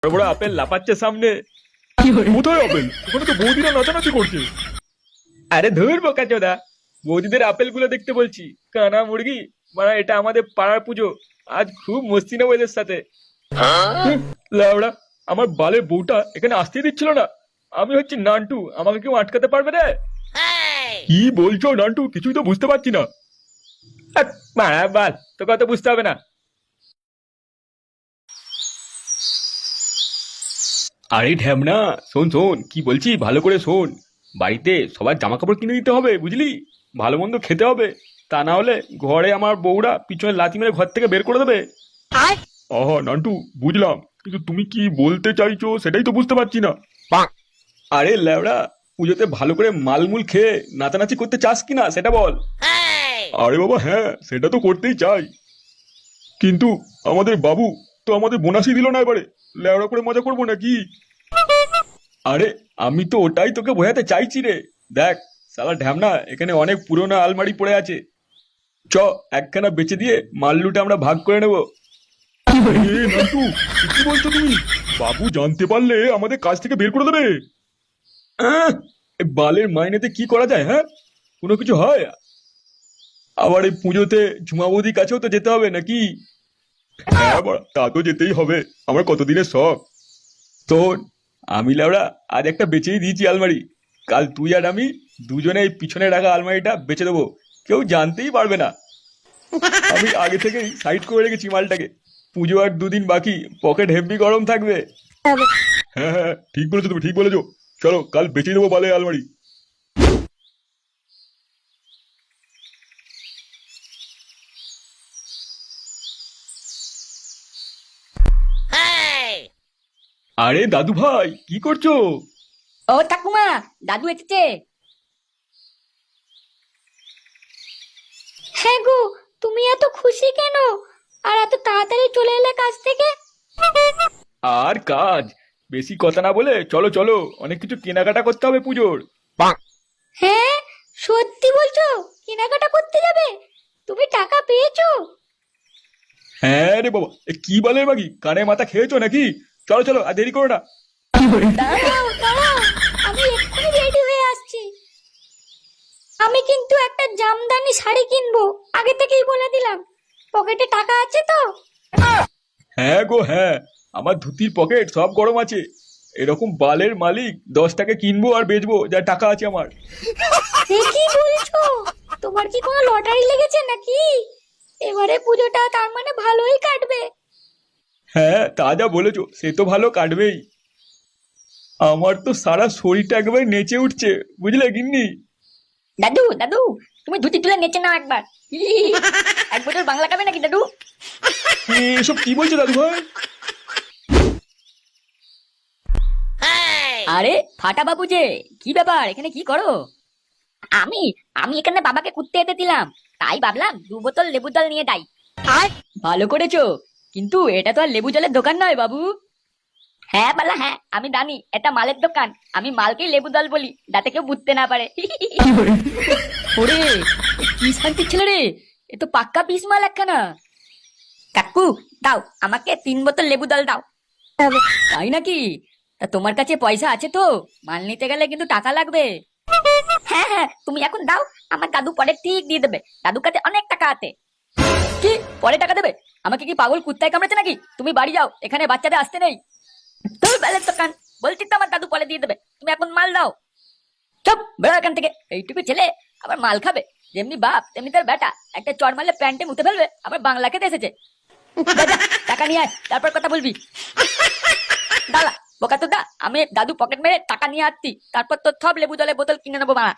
বড় বড় আপেল লাফাচ্ছে সামনে। কোথায় আপেল? ওখানে তো বৌদিরা নাচানাচি করছে। আরে ধুর বোকাচোদা, বৌদিদের আপেল গুলো দেখতে বলছি। কানা মুরগি, মানে এটা আমাদের পাড়ার পুজো, আজ খুব মস্তি নেবো এদের সাথে। হুম, লাউড়া, আমার বালের বউটা এখানে আসতেই দিচ্ছিল না। আমি হচ্ছি নান্টু, আমাকে কেউ আটকাতে পারবে না? কি বলছো নান্টু? কিছুই তো বুঝতে পারছি না। মারা বাল, তোকে অত বুঝতে হবে না। আরে ঢ্যামনা, শোন শোন কি বলছি, ভালো করে শোন। বাড়িতে সবার জামা কাপড় কিনে দিতে হবে, বুঝলি? ভালো মন্দ খেতে হবে, তা না হলে ঘরে আমার বউরা পিছনে লাথি মেরে ঘর থেকে বের করে দেবে। আহা নান্টু, বুঝলাম, কিন্তু তুমি কি বলতে চাইছো সেটাই তো বুঝতে পারছি না। আরে ল্যাওড়া, পুজোতে ভালো করে মালমুল খেয়ে নাচানাচি করতে চাস কিনা সেটা বল। আরে বাবা হ্যাঁ, সেটা তো করতেই চাই, কিন্তু আমাদের বাবু তো আমাদের বোনাসই দিল না, এবারে লেওড়া করে মজা করবো নাকি? আরে আমি তো ওটাই তোকে বোঝাতে চাইছি রে। দেখ শালা ঢ্যামনা, এখানে অনেক পুরোনো আলমারি পড়ে আছে, চ একখানা বেচে দিয়ে মাল্লুটা আমরা ভাগ করে নেবো। এ নান্টু, কি বলছো তুমি? বাবু জানতে পারলে আমাদের কাজ থেকে বের করে দেবে। আহ, এ বালের মাইনেতে কি করা যায়? হ্যাঁ, কোনো কিছু হয়? আবার এই পুজোতে ঝুমাবুদির কাছেও তো যেতে হবে নাকি? হ্যাঁ বাড়া, তা তো যেতেই হবে, আমার কতদিনের শখ। শোন, আমি লাউড়া আজ একটা বেচেই দিয়েছি আলমারি। কাল তুই আর আমি দুজনে এই পিছনে রাখা আলমারিটা বেচে দেবো, কেউ জানতেই পারবে না। আমি আগে থেকেই সাইড করে রেখেছি মালটাকে। পুজো আর দুদিন বাকি, পকেট হেভি গরম থাকবে। হ্যাঁ হ্যাঁ, ঠিক বলেছো তুমি, ঠিক বলেছো। চলো কাল বেচে দেবো বালে আলমারি। আরে দাদু ভাই, কি করছো? ও ঠাকুমা, দাদু এসেছে। হ্যাঁ গো, তুমি এত খুশি কেন? আর এত তাড়াতাড়ি চলে এলে কাজ থেকে? আর কাজ, বেশি কথা না বলে চলো চলো, অনেক কিছু কেনাকাটা করতে হবে পুজোর। হ্যাঁ, সত্যি বলছো? কেনাকাটা করতে যাবে? তুমি টাকা পেয়েছো? হ্যাঁ রে বাবা, এ কি বালের বাকি, কানে মাথা খেয়েছো নাকি? চলো চলো, আর দেরি করো না। দাঁড়াও দাঁড়াও, আমি এক্ষুনি রেডি হয়ে আসছি। আমি কিন্তু একটা জামদানি শাড়ি কিনবো, আগে থেকেই বলে দিলাম। পকেটে টাকা আছে তো? হ্যাঁ গো হ্যাঁ, আমার ধুতির পকেট সব গরম আছে। এরকম বালের মালিক 10 টাকা কিনবো আর বেচবো, যা টাকা আছে আমার। এ কি বলছো? তোমার কি কোনো লটারি লেগেছে নাকি? এবারে পুজোটা তার মানে ভালোই কাটবে। হ্যাঁ, তা যা বলেছো, সে তো ভালো কাটবেই। আমার তো সারা শরীরটা একেবারে নেচে উঠছে, বুঝলে গিন্নি? দাদু দাদু, তুমি ধুতি তুলে নেচে নাও একবার। এক বোতল বাংলা খাবে নাকি দাদু? এসব কি বলছো দাদু ভাই? আরে ফাটা বাবু যে, কি ব্যাপার, এখানে কি করো? আমি আমি এখানে বাবাকে কুত্তে যেতে দিলাম, তাই ভাবলাম 2 বোতল লেবু জল নিয়ে যাই। ভালো করেছো, কিন্তু এটা তো আর লেবু জলের দোকান নয় বাবু। হ্যাঁ বালা হ্যাঁ, আমি জানি এটা মালের দোকান। আমি মালকেই লেবু জল বলি, যাতে কেউ বুঝতে না পারে। ওরে, এ কি শান্তি ছিল রে, এ তো পাক্কা পিস মাল একখানা। কাকু, দাও আমাকে 3 বোতল লেবু জল দাও। তাই নাকি? তা তোমার কাছে পয়সা আছে তো? মাল নিতে গেলে কিন্তু টাকা লাগবে। হ্যাঁ হ্যাঁ, তুমি এখন দাও, আমার দাদু পরে ঠিক দিয়ে দেবে। দাদুর কাছে অনেক টাকা আছে। কি, পরে টাকা দেবে? আমাকে কি পাগল কুত্তায় কামড়েছে নাকি? তুমি বাড়ি যাও, এখানে বাচ্চাদের আসতে নেই। তোর বেলের দোকান, বলছি তো আমার দাদু পরে দিয়ে দেবে। তুমি এখন মাল দাও। চুপ, বেরো এখান থেকে। এইটুকু ছেলে আবার মাল খাবে? যেমনি বাপ তেমনি তার বেটা, একটা চড় মারলে প্যান্টে মুতে ফেলবে, আবার বাংলা খেতে এসেছে। যা, যা, টাকা নিয়ে আয়, তারপর কথা বলবি। দাঁড়া বোকা তো দা, আমি দাদু পকেট মেরে টাকা নিয়ে আসছি, তারপর তোর সব লেবু জলের বোতল কিনে নেবো মা।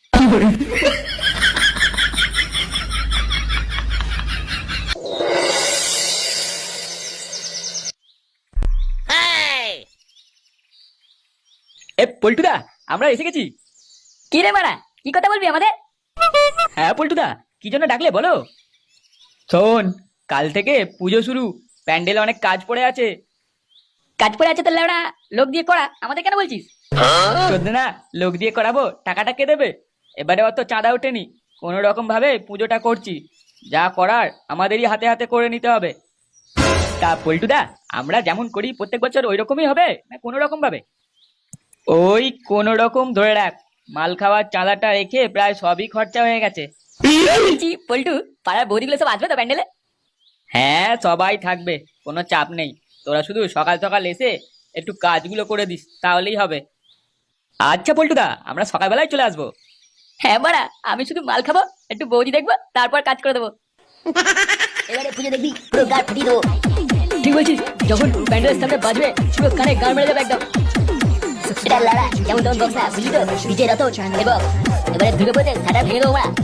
এ পল্টুদা, আমরা এসে গেছি। কি রে মারা, কি কথা বলবি আমাদের? হ্যাঁ পল্টুদা, কি জন্য ডাকলে বলো? শোন, কাল থেকে পুজো শুরু, প্যান্ডেলে অনেক কাজ পড়ে আছে। কাজ পড়ে আছে তো লেওড়া, লোক দিয়ে করা, আমাদের কেন বলছিস? চোদ্দ না, লোক দিয়ে করাবো, টাকাটা কে দেবে? এবারে অত চাঁদা ওঠেনি, কোনো রকম ভাবে পুজোটা করছি, যা করার আমাদেরই হাতে হাতে করে নিতে হবে। তা পল্টুদা, আমরা যেমন করি প্রত্যেক বছর ওই রকমই হবে না কোনো রকম ভাবে? ওই কোন রকম ধরে রাখ, মাল খাওয়ার চালাটা রেখে প্রায় সবই খরচা হয়ে গেছে। পল্টু, পাড়ার বৌদিগুলো সব আসবে তো প্যান্ডেলে? হ্যাঁ, সবাই থাকবে, কোনো চাপ নেই। তোরা শুধু সকাল সকাল এসে একটু কাজগুলো করে দিস, তাহলেই হবে। আচ্ছা পল্টুদা, আমরা সকালবেলায় চলে আসবো। হ্যাঁ বাড়া, আমি শুধু মাল খাবো, একটু বৌদি দেখবো, তারপর কাজ করে দেবো। এবারে পুজো দেখবি পুরো গাড় ফাটিয়ে দেবো। ঠিক বলছিস, যখন প্যান্ডেলের সামনে বাজবে পুরো কানে গান মেরে যাবে একদম। এটা লাড়া যেমন তেমন বক্স না, বুঝলি তো? ডিজে রত এবং এবারে দুর্গা পুজোতে সাটা ভেঙে দেবো আমরা।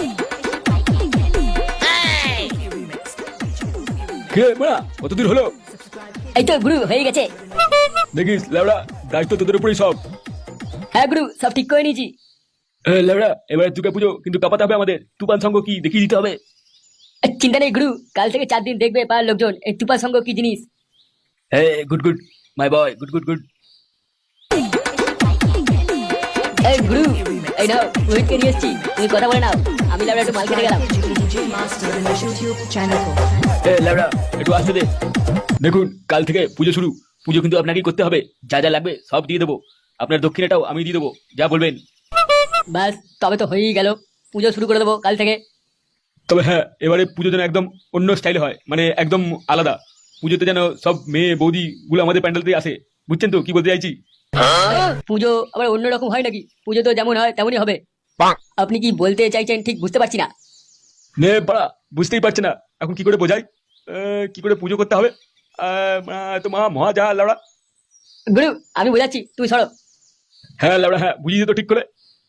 কে বড়া, কত দূর হলো? এই তো গুরু, হয়ে গেছে। দেখিস লেবড়া, দায়িত্ব তোদের উপরেই সব। হ্যাঁ গুরু, সব ঠিক করে নিয়েছি। লেবড়া, এবারে দুর্গা পুজো কিন্তু কাপাতে হবে আমাদের। তুফান সঙ্গ কি দেখিয়ে দিতে হবে। চিন্তা নেই গুরু, কাল থেকে 4 দিন দেখবে পাড়ার লোকজন এই তুপা সঙ্গ কি জিনিস। হ্যাঁ, good good my boy, good good good. এই গুরু, এই নাও রোহিতকে নিয়ে এসেছি, তুমি কথা বলে নাও, আমি লাউডা একটু মাল খেতে গেলাম। লেবড়া, একটু আসতে দে। দেখুন, কাল থেকে পুজো শুরু। পুজো কিন্তু আপনাকেই করতে হবে। যা যা লাগবে সব দিয়ে দেবো। আপনার দক্ষিণাটাও আমি দিয়ে দেবো, যা বলবেন। ব্যাস, তবে তো হয়েই গেল, পুজো শুরু করে দেবো কাল থেকে। তবে হ্যাঁ, এবারে পুজো যেন একদম অন্য স্টাইলে হয়, মানে একদম আলাদা। পুজোতে যেন সব মেয়ে বৌদি গুলো আমাদের প্যান্ডেলতে আসে। বুঝছেন তো কি বলতে চাইছি? পুজো আবার অন্যরকম হয় নাকি? পুজো তো যেমন হয় তেমনই হবে। আপনি কি বলতে চাইছেন ঠিক বুঝতে পারছি না। নে বাড়া, বুঝতেই পারছে না এখন কি করে বোঝাই, কি করে পুজো করতে হবে। তো মহা যা লাউড়া। গুরু, আমি বোঝাচ্ছি, তুই সরো। হ্যাঁ লাউড়া, হ্যাঁ বুঝিয়ে তো ঠিক করে।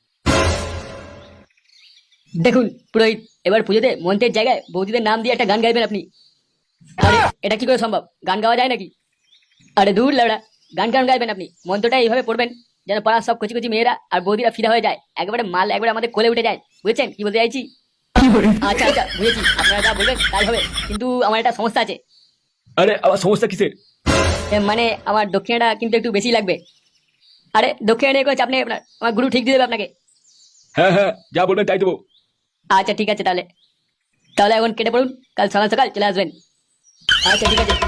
দেখুন পুরোহিত, এবার পুজোতে মন্ত্রের জায়গায় বৌদিদের নাম দিয়ে একটা গান গাইবেন আপনি। আরে এটা কি করে সম্ভব? গান গাওয়া যায় নাকি? আরে দূর লাউড়া, গান গাইবেন আপনি। মন্ত্রটা এইভাবে পড়বেন যেন পাড়ার সব কচি কচি মেয়েরা আর বৌদিরা ফিদা হয়ে যায়, একেবারে মাল একবারে আমাদের কোলে উঠে যায়। বুঝেছেন কি বলতে চাইছি? আচ্ছা আচ্ছা, বুঝেছি, আপনারা যা বলবেন তাই হবে, কিন্তু আমার একটা সমস্যা আছে। আরে আবার সমস্যা কিসের? মানে আমার দক্ষিণাটা কিন্তু একটু বেশি লাগবে। আরে দক্ষিণা নিয়ে কোনো চাপ নেই আপনার, আমার গুরু ঠিক দিয়ে দেবে আপনাকে। হ্যাঁ হ্যাঁ, যা বলবেন তাই দেবো। আচ্ছা ঠিক আছে, তাহলে তাহলে এখন কেটে পড়ুন, কাল সকাল সকাল চলে আসবেন। আচ্ছা ঠিক আছে।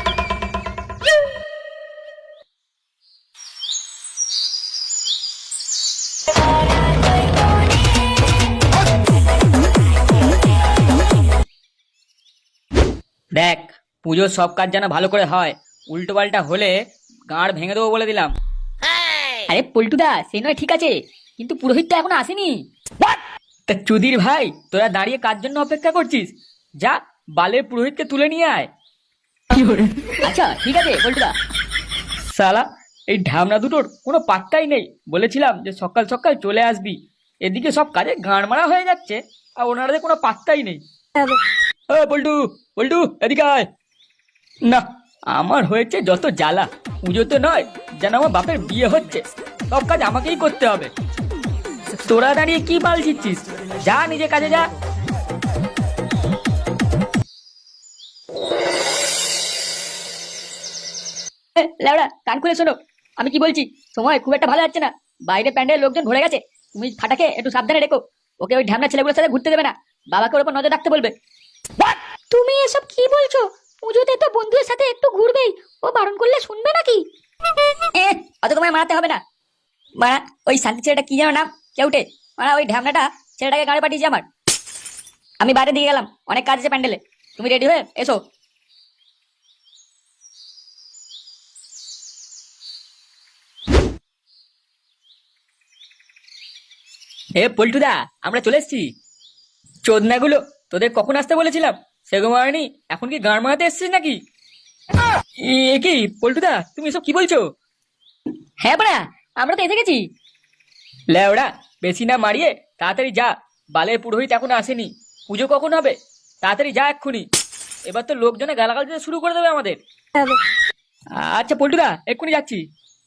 দেখ, পুজোর সব কাজ যেন ভালো করে হয়, উল্টো পাল্টা হলে গাঁড় ভেঙে দেবো বলে দিলাম। আরে পল্টুদা, সে নয় ঠিক আছে, কিন্তু পুরোহিত তো এখনো আসেনি। তা চুদির ভাই, তোরা দাঁড়িয়ে কার জন্য অপেক্ষা করছিস? যা, বালের পুরোহিতকে তুলে নিয়ে আয়। আচ্ছা ঠিক আছে পল্টুদা। সালা, এই ঢামনা দুটোর কোনো পাত্তাই নেই। বলেছিলাম যে সকাল সকাল চলে আসবি, এদিকে সব কাজে গাঁড় মারা হয়ে যাচ্ছে, আর ওনাদের কোনো পাত্তাই নেই। পল্টু, পল্টু এদিকে আয়। না, আমার হয়েছে যত জ্বালা। পুজোতে নয়, যেন আমার বাপের বিয়ে হচ্ছে, সব কাজ আমাকেই করতে হবে। তোরা দাঁড়িয়ে কি মাল দিচ্ছিস? যা নিজে কাজে যা। লেওড়া, কান খুলে শোনো, আমি কি বলছি। সময় খুব একটা ভালো যাচ্ছে না, বাইরে প্যান্ডেল লোকজন ভরে গেছে। তুমি ফাটাকে একটু সাবধানে রেখো, ওকে ওই ঢ্যামনা ছেলেগুলোর সাথে ঘুরতে দেবে না, বাবাকে ওর উপর নজর রাখতে বলবে। তুমি এসব কি বলছো? পুজোতে তো বন্ধুদের সাথে একটু ঘুরবেই, ও বারণ করলে শুনবে নাকি? অত তোমায় মারাতে হবে না। মারা ওই শান্তি ছেলেটা কি যেন নাম, কেউটে, মারা ওই ঢ্যামনাটা ছেলেটাকে গাড়ি পাঠিয়েছে আমার। আমি বাইরে দিয়ে গেলাম, অনেক কাজ আছে প্যান্ডেলে, তুমি রেডি হয়ে এসো। পল্টুদা, আমরা চলে এসছি। চোদনাগুলো, তোদের কখন আসতে বলেছিলাম? সেগো মারানি, এখন কি গান মারাতে এসছিস নাকি? এ কি পল্টুদা, তুমি এসব কি বলছো? হ্যাঁ বড়া, আমরা তো এসে গেছি। লেওড়া, বেশি না মারিয়ে তাড়াতাড়ি যা, বালের পুরোহিত এখন আসেনি। পুজো কখন হবে? তাড়াতাড়ি যা এক্ষুনি, এবার তো লোকজনে গালাগাল দিতে শুরু করে দেবে আমাদের। আচ্ছা পল্টুদা, এক্ষুনি যাচ্ছি।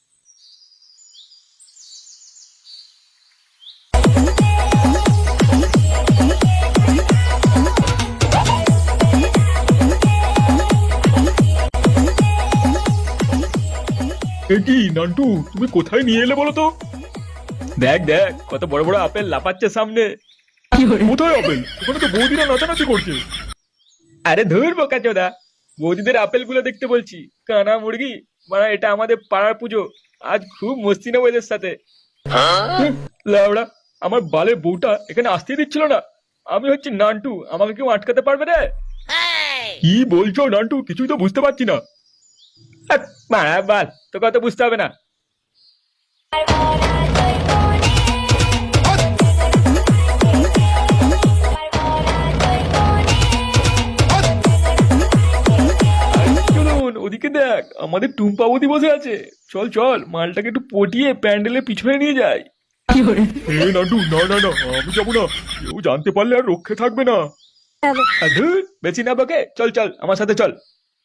কি নান্টু, তুমি কোথায় নিয়ে এলে বলো তো? দেখ দেখ, কত বড় বড় আপেল লাফাচ্ছে সামনে। কোথায় আপেল? ওখানে তো বৌদিরা নাচানাচি করছে। আরে ধুর বোকা চোদা, বৌদিদের আপেলগুলো দেখতে বলছি। কানা মুরগি, মানে এটা আমাদের পাড়ার পুজো, আজ খুব মস্তি নেবো এদের সাথে। লাউড়া, আমার বালের বউটা এখানে আসতেই দিচ্ছিল না। আমি হচ্ছি নান্টু, আমাকে কেউ আটকাতে পারবে রে? কি বলছো নান্টু, কিছুই তো বুঝতে পারছি না। মারা বাল, তোকে অত বুঝতে হবে না। চলুন ওদিকে দেখ, আমাদের টুম্পা বৌদি বসে আছে। চল চল, মালটাকে একটু পটিয়ে প্যান্ডেলের পিছনে নিয়ে যাই। এ নান্টু, না না না, আমি যাবো না। কেউ জানতে পারলে আর রক্ষে থাকবে না। আর ধুর, বেশি না বকে, চল চল আমার সাথে চল।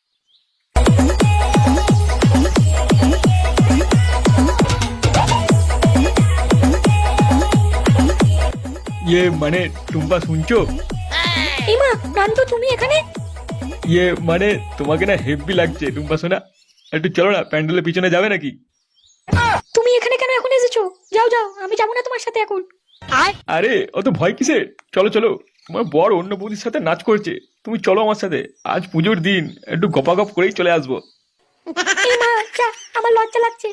ইয়ে মানে টুম্পা শুনছো? ইমা, নান্টু তুমি এখানে? ইয়ে মানে তোমাকে না হেভি লাগছে টুম্পা সোনা। একটু চলো না, প্যান্ডেলের পিছনে যাবে নাকি? তুমি এখানে কেন এখন এসেছো? যাও যাও, আমি যাবো না তোমার সাথে এখন। আরে অত ভয় কিসের, চলো চলো। তোমার বর অন্য বৌদির সাথে নাচ করছে, তুমি চলো আমার সাথে। আজ পুজোর দিন, একটু গপাগপ করেই চলে আসবো। ইমা, যা, আমার লজ্জা লাগছে।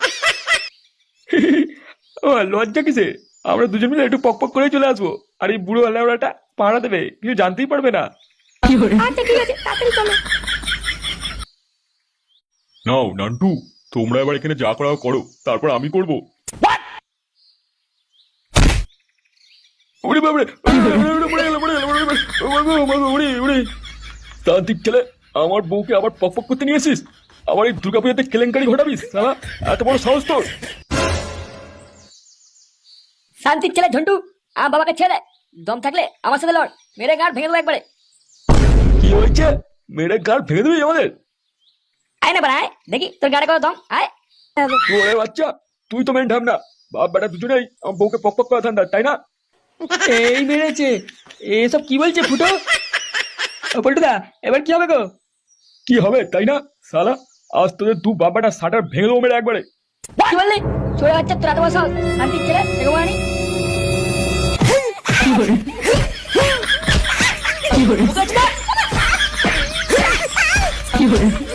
ও লজ্জা কিসে, আমরা দুজন মিলে একটু পক পক করেই চলে আসবো। আর এই বুড়ো আল্লাহটা পাহারা দেবে, কিছু জানতেই পারবে না। আচ্ছা ঠিক আছে, তাড়াতাড়ি চলো। নাও নান্টু, তোমরা এবার এখানে যা করা করো, তারপর আমি করব। ওরে বাবারে, তান্ত্রিক ছেলে, আমার বউকে আবার পক পক করতে নিয়ে আসিস। আবার এই দুর্গাপূজাতে কেলেঙ্কারি ঘটাবিস সালা, এত বড় সাহস তোর? শান্তির ছেলে ঝন্টু, আমার বাবাকে ছেড়ে দম থাকলে আমার সাথে লড়, মেরে গাঁট ভেঙে দেবো একবারে। কি হয়েছে? মেরে গাড় ভেঙে দিবি আমাদের? আয় না বাড়ায়, দেখি তোর গাড়ে কত দম। আয়। ওরে বাচ্চা, তুই তো মেন ঢামনা। বাপ বেটা দুজনেই আমার বউকে পক পক করা ধান্দা, তাই না? এই মেরেছে, এসব কি বলছে ফুটো? পল্টুদা, এবার কি হবে গো? কি হবে তাই না সালা? আজ তোদের দু বাবাটা শাটার ভেঙে দেবো মেরে একবারে। কি বললি? চলে বাচ্চা, তোর এত বড় সাহস? শান্তির ছেলে, দেখো মানি। কি